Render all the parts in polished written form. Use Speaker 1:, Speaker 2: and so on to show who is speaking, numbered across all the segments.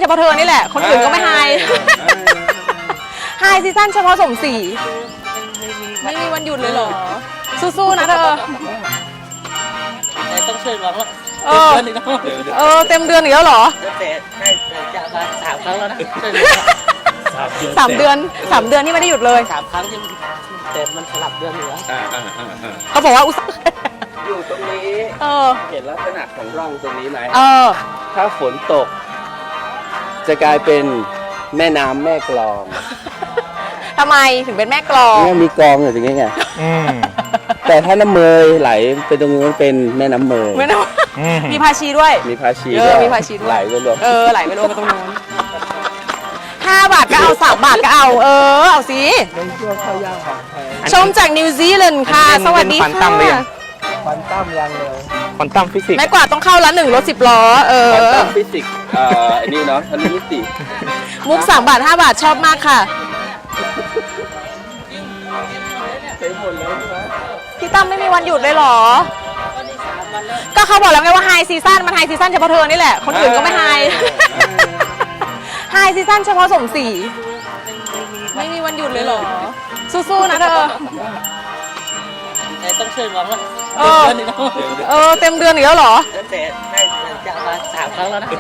Speaker 1: เฉพาะเธอนี่แหละคนอื่นก็ไม่ไฮไฮซีซั่นเฉพาะสมศรีไม่มีวันหยุดเลยเหรอสู้ๆนะเธอ
Speaker 2: แต่ต้องช่วยร้องแล้ว
Speaker 1: เต็มเดือนอีกแล้วเหรอ
Speaker 2: แต่ได้จะมา3 ครั้งแล้วนะ
Speaker 1: 3 เดือนที่ไม่ได้หยุดเลย
Speaker 2: 3 ครั้งที่แต่มันสลับเดือนอยู่แล้ว
Speaker 1: เขาบอกว่าอุตส่าห์
Speaker 3: อยู่ตรงนี้เห็นลักษณะของร่องตรงนี้ไหมถ้าฝนตกจะกลายเป็นแม่น้ำแม่กลอง
Speaker 1: ทำไมถึงเป็นแม่กลอง
Speaker 3: เนี่ยมีกลองอยู่ตรงนี้ไงแต่ถ้าน้ำเมยไหลไปตรงนู้นเป็นแม่น้ำเมย
Speaker 1: มีภาชีด้วย
Speaker 3: มีภาชี
Speaker 1: มีภาชีด้วย
Speaker 3: ไหลไปรวม
Speaker 1: ไหลไปรวมกันตรงนู้น5 บาทก็เอา3 บาทก็เอาเอาสิชมจากนิวซีแลนด์ค่ะสวัสดีค่ะ
Speaker 3: ควอนตัมยังเลย
Speaker 4: ควอนตัมฟิสิกส์
Speaker 1: แม่กว่าต้องเข้าละ1 รถ 10 ล้อ
Speaker 3: ควอนตัมฟิสิกส์อันนี้เนาะทันมิติ
Speaker 1: มุก3 บาท 5 บาทชอบมากค่ะพี่ตั้มไม่มีวันหยุดเลยเหรอก็เขาบอกแล้วไงว่าไฮซีซั่นมันไฮซีซั่นเฉพาะเธอนี่แหละคนอื่นก็ไม่ไฮไฮซีซั่นเฉพาะสมศรีไม่มีวันหยุดเลยเหรอสู้ๆนะเธอ
Speaker 2: แต่ต้องช่วยร้องแล้ว
Speaker 1: เต็มเดือนอีกแล้วเหรอ
Speaker 2: แต่ได้จะมา3 ครั้งแล้วนะ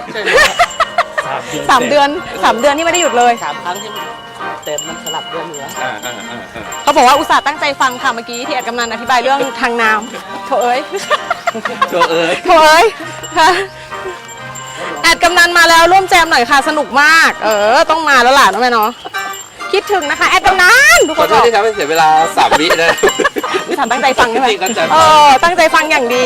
Speaker 1: 3 เดือนที่ไม่ได้หยุดเลย
Speaker 2: 3 ครั้งที่แต่มันสลับเดือนอยู่แล้ว
Speaker 1: เขาบอกว่าอุตส่าห์ตั้งใจฟังค่ะเมื่อกี้ที่แอดกำนันอธิบายเรื่องทางน้ำโถเอ้ยค่ะแอดกำนันมาแล้วร่วมแจมหน่อยค่ะสนุกมากต้องมาแล้วล่ะน้องแม่เนาะคิดถึงนะคะแอดกำนันทุกคน
Speaker 3: บอกที่ทำให้เสียเวลา3 วินะ
Speaker 1: พี่ทำตั้งใจฟังใช่ไหมตั้งใจฟังอย่างดี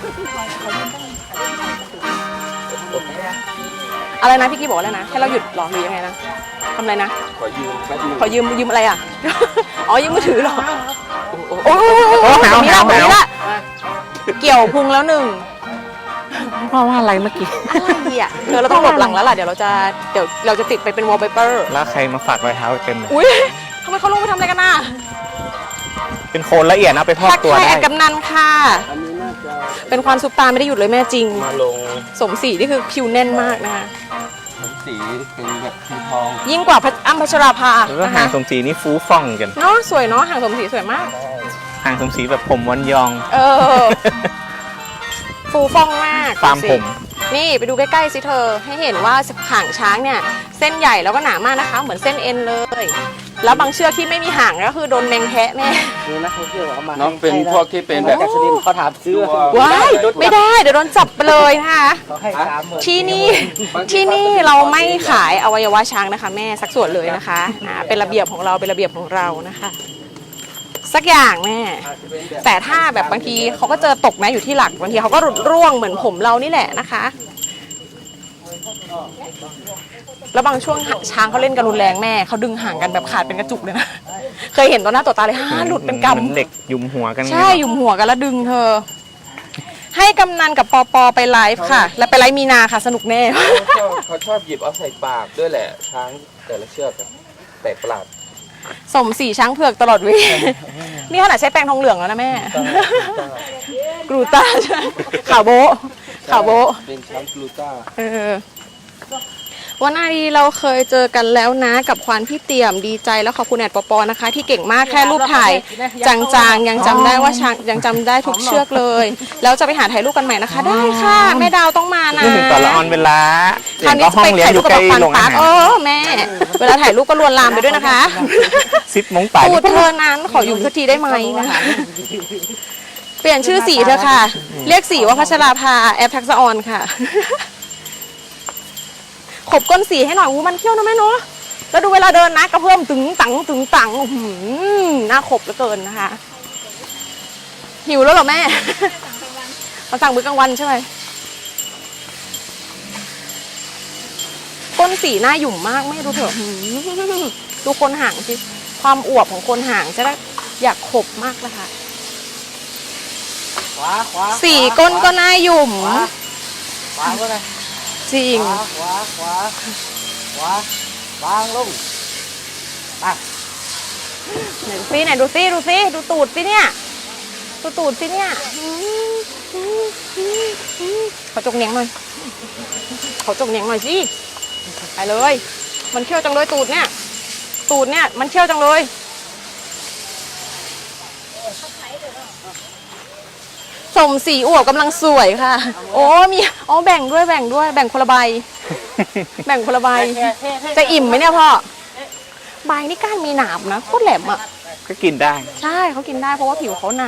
Speaker 1: อะไรนะพี่กี้บอกอะไรนะให้เราหยุดหรอหรือยังไงนะทำอะไรนะ
Speaker 3: ขอ
Speaker 1: ยืมอะไรอ่ะยืมมือถือหรอโอ้มีละเกี่ยวพุงแล้ว1
Speaker 4: เพราะว่าอะไรเมื่อกี้
Speaker 1: อะไรอ่ะเราต้องหลบหลังแล้วล่ะเดี๋ยวเราจะติดไปเป็นวอลเปเปอร์
Speaker 4: แล้วใครมาฝากรอยเท้าเต็มเลย
Speaker 1: อุ้ยทำไมเขาลงไปทำอะไรกันน่ะ
Speaker 4: เป็นโคนละเอียดนะไปพอกตัวได้
Speaker 1: แอดกำนันค่ะเป็นความซุปตาไม่ได้หยุดเลยแม่จริง
Speaker 3: มาลง
Speaker 1: สมศรีนี่คือคิวแน่นมากนะคะ
Speaker 3: สมศรีเป็นแบบคิวทอง
Speaker 1: ยิ่งกว่าอ้ำพัชราภา
Speaker 4: แล้วหางสมศรีนี่ฟูฟ่องกัน
Speaker 1: เนาะสวยเนาะหางสมศรีสวยมาก
Speaker 4: หางสมศรีแบบผมวันยอง
Speaker 1: ฟูฟ่องมาก
Speaker 4: ตามผม
Speaker 1: นี่ไปดูใกล้ๆสิเธอให้เห็นว่าหางช้างเนี่ยเส้นใหญ่แล้วก็หนามากนะคะเหมือนเส้นเอ็นเลยแล้วบางเชือกที่ไม่มีหางก็คือโดนแมงแทะแม่
Speaker 2: นี่นะเขาเชื่อเขามา
Speaker 3: น้องเป็นพวกที่เป็นแบบ
Speaker 2: เขาถามซื้อ
Speaker 1: ว้ายไม่ได้เดี๋ยวโดนจับไปเลยนะคะที่นี่เราไม่ขายอวัยวะช้างนะคะแม่สักส่วนเลยนะคะเป็นระเบียบของเรานะคะสักอย่างแม่แต่ถ้าแบบบางทีเขาก็เจอตกนะอยู่ที่หลักบางทีเขาก็หลุดร่วงเหมือนผมเรานี่แหละนะคะแล้วบางช่วงช้างเขาเล่นกันรุนแรงแม่เขาดึงห่างกันแบบขาดเป็นกระจุกเลยนะเคยเห็นต่อหน้าต่อตาเลยหลุดเป็นกำ
Speaker 4: เด็กยุมหัวกัน
Speaker 1: ใช่ยุมหัวกันแล้วดึงเธอให้กำนันกับปอไปไลฟ์ค่ะแล้วไปไลฟ์มีนาค่ะสนุกแน่
Speaker 3: เขาชอบหยิบเอาใส่ปากด้วยแหละช้างแต่ละเชือกแปลกประหลาด
Speaker 1: สมศรีช้างเผือกตลอดเวลานี่ขนาดใช้แป้งทองเหลืองแล้วนะแม่กรูต้าใช่ข่าวโบ
Speaker 3: เป็นช้างกรูต้า
Speaker 1: วันนี้เราเคยเจอกันแล้วนะกับควานพี่เตี่ยมดีใจแล้วขอบคุณแอดปอนะคะที่เก่งมากแค่รูปถ่ายจางๆยังจำได้ว่าช้างยังจำได้ทุกเชือกเลยแล้วจะไปหาถ่ายรูปกันใหม่นะคะได้ค่ะแม่ดาวต้องมานะ
Speaker 4: ถึงตอนละออนเวลา
Speaker 1: คราวนี้จะไปถ่ายรูปกับปันปักแม่เวลาถ่ายรูปก็ลวนลามไปด้วยนะคะ
Speaker 4: 10 โมงไป
Speaker 1: พูดเธอนั้นขออยู่สักทีได้ไหมนะคะเปลี่ยนชื่อสีเธอค่ะเรียกสีว่าพัชราภาแอปทักษะออนค่ะขบก้นสีให้หน่อยมันเขี้ยวนะแม่เนาะแล้วดูเวลาเดินนะกระเพื่อมตึงตังหน้าขบเหลือเกินนะคะหิวแล้วเหรอแม่มาสั่งมื้อกลางวันใช่ไหมก้นสีหน้าหยุ่มมากแม่ดูเถอะดูคนห่างสิความอวบของคนห่างจะได้อยากขบมากเลยค่ะสีก้นก็หน้าหยุ่มจริง
Speaker 2: ขวาบางลง
Speaker 1: ไหนดูซิดูตูดสิเนี่ยดูตูดสิเนี่ยขอจกเนียงหน่อยสิไปเลย มันเขี้ยวจังเลยตูดเนี่ยมันเขี้ยวจังเลยสมสีอวบกำลังสวยค่ะโอ้มีแบ่งด้วยแบ่งคนละใบ แบ่งคนละใบจะอิ่มไหมเนี่ยพ่อใบนี่ก้านมีหนามนะโคตรแหลมอ่ะ
Speaker 4: ก็กินได้
Speaker 1: ใช่เขากินได้เพราะว่าผิวเขาหนา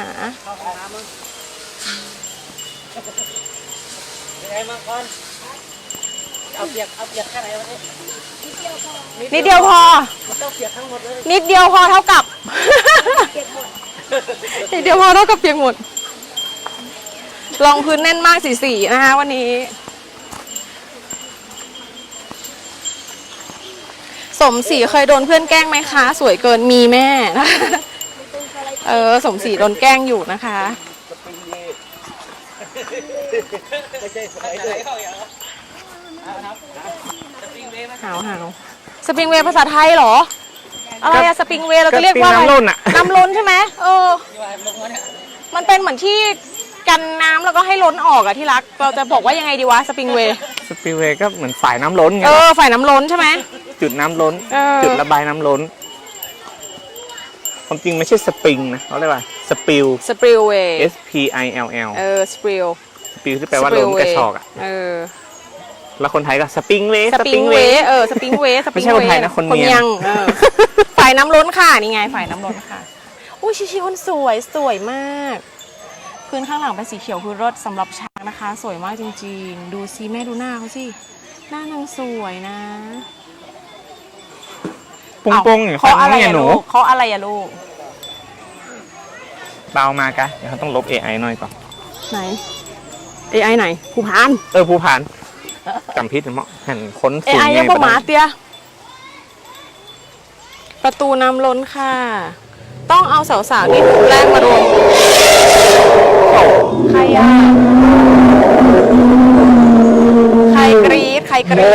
Speaker 2: ยังไงมาก่อนเอาเปียกแค่ไหนวะนี่
Speaker 1: นิดเดียวพอ
Speaker 2: มันต้องเปียกทั้งหมดเลย
Speaker 1: นิดเดียวพอเท่ากับ นิดเดียวพอเท่ากับเปียกหมดรองพื้นแน่นมากสีนะคะวันนี้สมศรีเคยโดนเพื่อนแกล้งไหมคะ สวยเกินมีแม่นะสมศรีโดนแกล้งอยู่นะคะหาวสปริงเวย์ภาษาไทยเหรออะไรอะสปริงเวย์เราจะเรียกว่าอะไร
Speaker 4: น้ำล้นอะ
Speaker 1: น้ำล้นใช่ไหมมันเป็นเหมือนที่กันน้ำแล้วก็ให้ล้นออกอะที่รักเราจะบอกว่ายังไงดีวะสปริงเวย์
Speaker 4: สปิลเวย์ก็เหมือนฝ่ายน้ำล้นไง
Speaker 1: ฝ่ายน้ำล้นใช่ไหม
Speaker 4: จุดน้ำล้น
Speaker 1: เ
Speaker 4: จุดระบายน้ำล้นความจริงไม่ใช่สปริงนะเขาเรียกว่าสปิล
Speaker 1: สปริลเวย์
Speaker 4: S P I L L
Speaker 1: สปริล
Speaker 4: สปิลที่แปลว่าล้นกระชอกอ่ะแล้วคนไทยก็สปริงเวย์
Speaker 1: สปริงเวย์สปริงเวย์
Speaker 4: ไม่ใช่คนไทยนะคนเมียง
Speaker 1: ฝ่ายน้ำล้นค่ะนี่ไงฝ่ายน้ำล้นค่ะอุ้ยชิคนสวยมากพื้นข้างหลังเป็นสีเขียวคือรถสำหรับช้างนะคะสวยมากจริงๆดูซิแม่ดูหน้าเขาสิหน้านางสวยนะ
Speaker 4: ปงๆอย่างฟังเนี่ยหนู
Speaker 1: เขาอะไรอะลูก
Speaker 4: เบามากะเดี๋ยวเขาต้องลบ AI หน่อยก่อน
Speaker 1: ไหน AI ไหนภูพาน
Speaker 4: ภูพานจำพิษเหมาะหันค้นฝุ่น
Speaker 1: AI ยังประมาเตียประตูน้ำล้นค่ะต้องเอาสาวๆนี่แรกมารวมใครอะใครกรี๊ด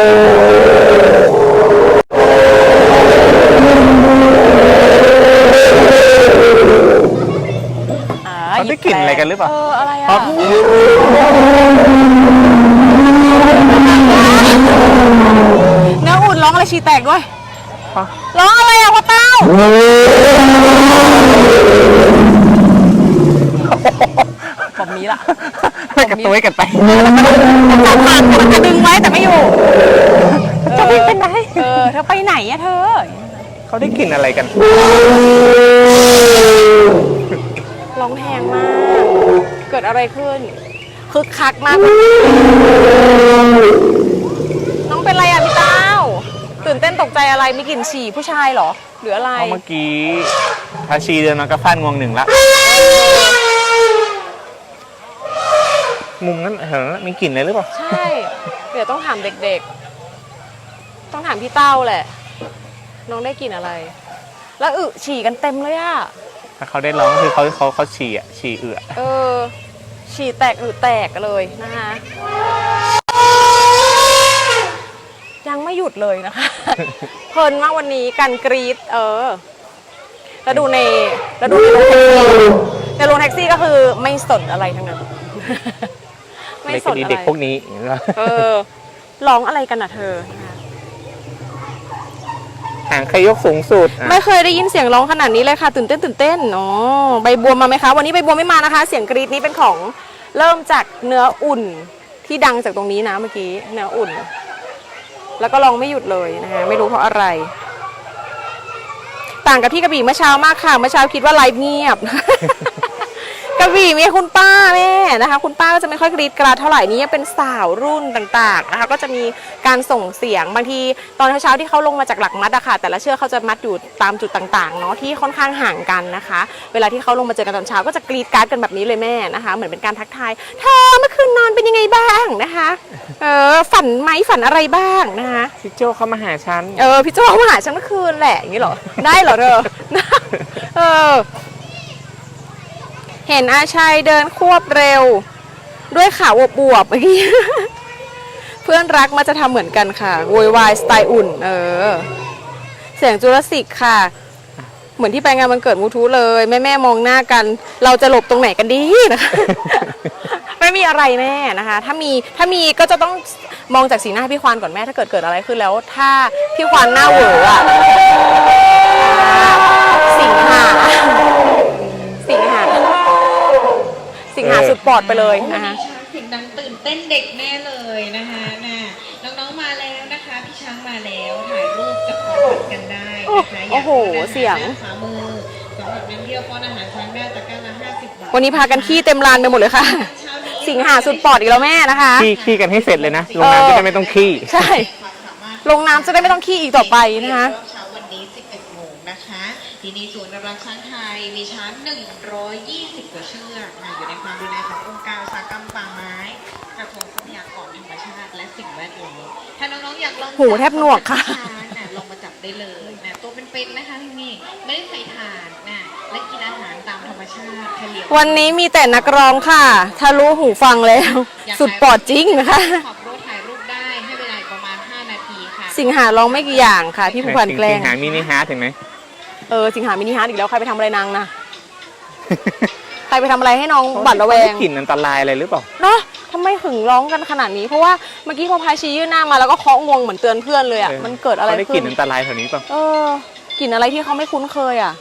Speaker 4: เขาได้กลิ่นอะไรกันหรือเปล่า
Speaker 1: อะไรอะเนื้ออุ่นร้องอะไรชีแตกด้วยร้องอะไรอะพ่อเต้าผมนี้ล่ะ
Speaker 4: กระตุ้ยกันไป
Speaker 1: มันจะดึงไว้แต่ไม่อยู่จะไปไหนเธอไปไหนอะเธอ
Speaker 4: เขาได้กลิ่นอะไรกัน
Speaker 1: ร้องแพงมากเกิดอะไรขึ้นคึกคักมากน้องเป็นอะไรอะพี่เต้าตื่นเต้นตกใจอะไรมีกลิ่นฉี่ผู้ชายเหรอหรืออะไร
Speaker 4: เมื่อกี้ทาชีเดินมากระฟาดงวงหนึ่งละมุมนั้นมีกลิ่นอะไรหรือเปล่า
Speaker 1: ใช่เดี๋ยวต้องถามเด็กๆต้องถามพี่เต้าแหละน้องได้กลิ่นอะไรแล้วฉี่กันเต็มเลยอะ
Speaker 4: ถ้าเขาได้ร้องคือเขาฉี่อ่ะฉี่
Speaker 1: ฉี่แตกแตกเลยนะคะยังไม่หยุดเลยนะคะเพลินมากวันนี้การกรี๊ดแล้วดูในโรงแท็กซี่ก็คือไม่สนอะไรทั้งนั้นไม่สนอะไร
Speaker 4: เด็กพวกนี้
Speaker 1: ร้องอะไรกันอ่ะเธอ
Speaker 4: หางใครยกสูงสุด
Speaker 1: ไม่เคยได้ยินเสียงร้องขนาดนี้เลยค่ะตื่นเต้นอ๋อใบบัวมาไหมคะวันนี้ใบบัวไม่มานะคะเสียงกรี๊ดนี้เป็นของเริ่มจากเนื้ออุ่นที่ดังจากตรงนี้นะเมื่อกี้เนื้ออุ่นแล้วก็ร้องไม่หยุดเลยนะคะไม่รู้เพราะอะไรต่างกับที่กระบี่เมื่อเช้ามากค่ะเมื่อเช้าคิดว่าไลฟ์เงียบ กระบี่มีคุณป้าแม่นะคะคุณป้าก็จะไม่ค่อยกรีดกราดเท่าไหร่นี้เป็นสาวรุ่นต่างๆนะคะก็จะมีการส่งเสียงบางทีตอนเช้าที่เขาลงมาจากหลักมัดอะค่ะแต่ละเชือกเขาจะมัดอยู่ตามจุดต่างๆเนาะที่ค่อนข้างห่างกันนะคะเวลาที่เขาลงมาเจอกันตอนเช้าก็จะกรีดกราดกันแบบนี้เลยแม่นะคะเหมือนเป็นการทักทายเธอเมื่อคืนนอนเป็นยังไงบ้างนะคะฝันไหมฝันอะไรบ้างนะคะ
Speaker 4: พี่โจเขามาหาฉัน
Speaker 1: พี่โจเขามาหาฉันเมื่อคืนแหละอย่างนี้เหรอได้เหรอเธอเห็นอาชัยเดินควบเร็วด้วยขาบวบๆเมื่อกี้เพื่อนรักมาจะทำเหมือนกันค่ะโวยวายสไตล์อุ่นเสียงจูราสสิกค่ะเหมือนที่ไปงานวันเกิดมูทูเลยแม่มองหน้ากันเราจะหลบตรงไหนกันดีนะคะไปไม่มีอะไรแม่นะคะ ถ้ามีก็จะต้องมองจากสีหน้าพี่ควานก่อนแม่ถ้าเกิดอะไรขึ้นแล้ว ถ้าพี่ควานหน้าเหวออ่ะสิงหาสุดปอดไปเลยนะคะ
Speaker 5: เสียงดังตื่นเต้นเด็กแน่เลยนะคะน้องๆมาแล้วนะคะพี่ช้างมาแล้วถ่ายรูปกับของขวัญกันได้นะคะ
Speaker 1: โอ้โหเสียง
Speaker 5: ขวามือสำหรับนักเที่ยวป้อนอาหารช้างได้ตะกร้าละ50 บาท
Speaker 1: วันนี้พากันขี้เต็มลานไปหมดเลยค่ะ สิงหาสุดปอดอีกแล้วแม่นะคะ
Speaker 4: ขี้กันให้เสร็จเลยนะลงน้ำจะได้ไม่ต้องขี้
Speaker 1: ใช่ ลงน้ำจะได้ไม่ต้องขี้อีกต่อไปนะคะ
Speaker 5: เช้าวันนี้ 11 โมงนะคะ ที่นี่ศูนย์อนุรักษ์ช้างไทยมีช้าง 120 กว่าเชือกอยู่ในความดูแลขององค์การอุตสาหกรรมป่าไม้กระทรวงทรัพยากรธรรมชาติและสิ่งแวดล้อมถ้าน้องๆอยากลอง
Speaker 1: หูแทบหนวกค่ะ
Speaker 5: ลองมาจับได้เลยตัวเป็นๆนะคะที่นี่ไม่ได้ใส่ถ่านและกินอาหารตามธรรมชาติเฉลี่ย
Speaker 1: วันนี้มีแต่นักร้องค่ะทะลุหูฟังแล้ว สุดปอดจริงนะคะ
Speaker 5: ขอบรถถ่ายรูปได้ให้เวลาประมาณ5 นาทีค่ะ
Speaker 1: สิงหาร้องไม่กี่อย่างค่ะพี่ผู้พันแกล้ง
Speaker 4: สิงหามินิฮาร์ทเห็นไหม
Speaker 1: สิงหามินิฮาร์ทอีกแล้วใครไปทำอะไรนางนะ ใครไปทำอะไรให้น้องบัดระแวง
Speaker 4: กลิ่นอันตรายอะไรหรือเปล่า
Speaker 1: เนาะทำไมถึงร้องกันขนาดนี้เพราะว่าเมื่อกี้พอพายชียื่นหน้ามาแล้วก็เคาะงวงเหมือนเตือนเพื่อนเลยอ่ะมันเกิดอะไร
Speaker 4: เขาได้ก
Speaker 1: ขึ้
Speaker 4: ลิ่
Speaker 1: น
Speaker 4: นอันตรายแถวนี้เปล่าก
Speaker 1: ลิ่นอะไรที่เขาไม่คุ้นเคยอ่ะ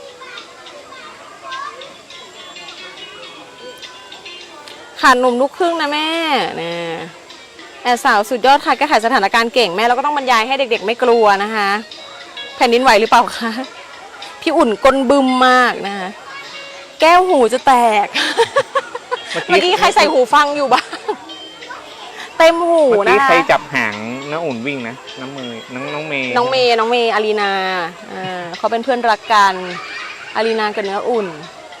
Speaker 1: ขาดหนุ่มลูกครึ่งนะแม่นะแอบสาวสุดยอดค่ะแก้ไขสถานการณ์เก่งแม่แล้วก็ต้องบรรยายให้เด็กๆไม่กลัวนะคะแผ่นดินไหวหรือเปล่าคะพี่อุ่นก้นบึมมากนะคะแก้วหูจะแตก เมื่อกี้ใครใส่หูฟังอยู่บ้างเต็มหู
Speaker 4: เมื่อ
Speaker 1: นะ
Speaker 4: กี้
Speaker 1: คะ
Speaker 4: ใครจับหางน้าอุ่นวิ่งนะน้ำเมย์
Speaker 1: น้องเมย์อารีนาเขาเป็นเพื่อนรักกันอารีนากับเนื้ออุ่น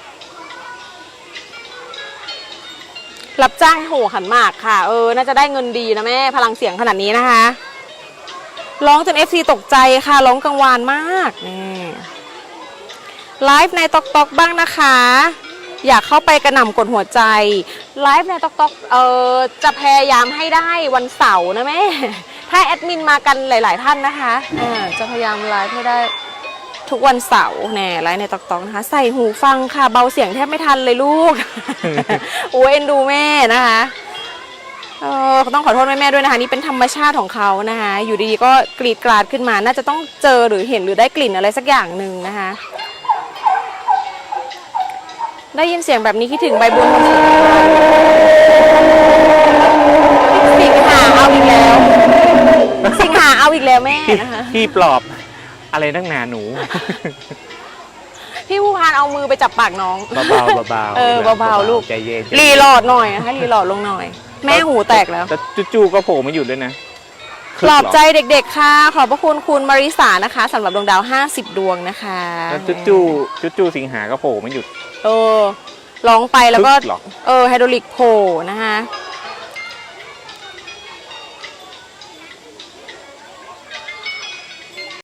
Speaker 1: รับจ้างโหขันหมากค่ะน่าจะได้เงินดีนะแม่พลังเสียงขนาดนี้นะคะร้องจน FC ตกใจค่ะร้องกังวานมากนี่ไลฟ์ในต๊อกต๊อกบ้างนะคะ อยากเข้าไปกระหน่ำกดหัวใจไลฟ์ในต๊อกต๊อกจะพยายามให้ได้วันเสาร์นะแม่ถ้าแอดมินมากันหลายๆท่านนะคะจะพยายามไลฟ์ให้ได้ทุกวันเสาร์แน่ไลฟ์ในต๊อกต๊อกนะคะใส่หูฟังค่ะเบาเสียงแทบไม่ทันเลยลูก โอ้เอ็นดูแม่นะคะต้องขอโทษแม่ๆด้วยนะคะนี่เป็นธรรมชาติของเขานะคะอยู่ดีๆก็กรีดกราดขึ้นมาน่าจะต้องเจอหรือเห็นหรือได้กลิ่นอะไรสักอย่างหนึ่งนะคะได้ยินเสียงแบบนี้คิดถึงใบบัวสิงหาเอาอีกแล้วสิงหาเอาอีกแล้วแม่นะคะ
Speaker 4: พี่ปลอบอะไรตั้งนานหนู
Speaker 1: พี่ผู้พานเอามือไปจับปากน้อง
Speaker 4: เบาๆเบาๆ
Speaker 1: เบาๆลูก
Speaker 4: ใจเย็น
Speaker 1: รีโหลดหน่อยนะคะรีโหลดลงหน่อยแม่หูแตกแล้ว
Speaker 4: แต่จู่ๆก็โผล่มาหยุดด้วยนะ
Speaker 1: ปลอบใจเด็กๆค่ะขอบพระคุณคุณมาริสานะคะสำหรับดวงดาว50 ดวงนะคะ
Speaker 4: แล้วจู่สิงหาก็โผล่มาหยุด
Speaker 1: ร้องไปแล้วก็
Speaker 4: หรอ
Speaker 1: ไฮดรอลิกโผล่นะคะ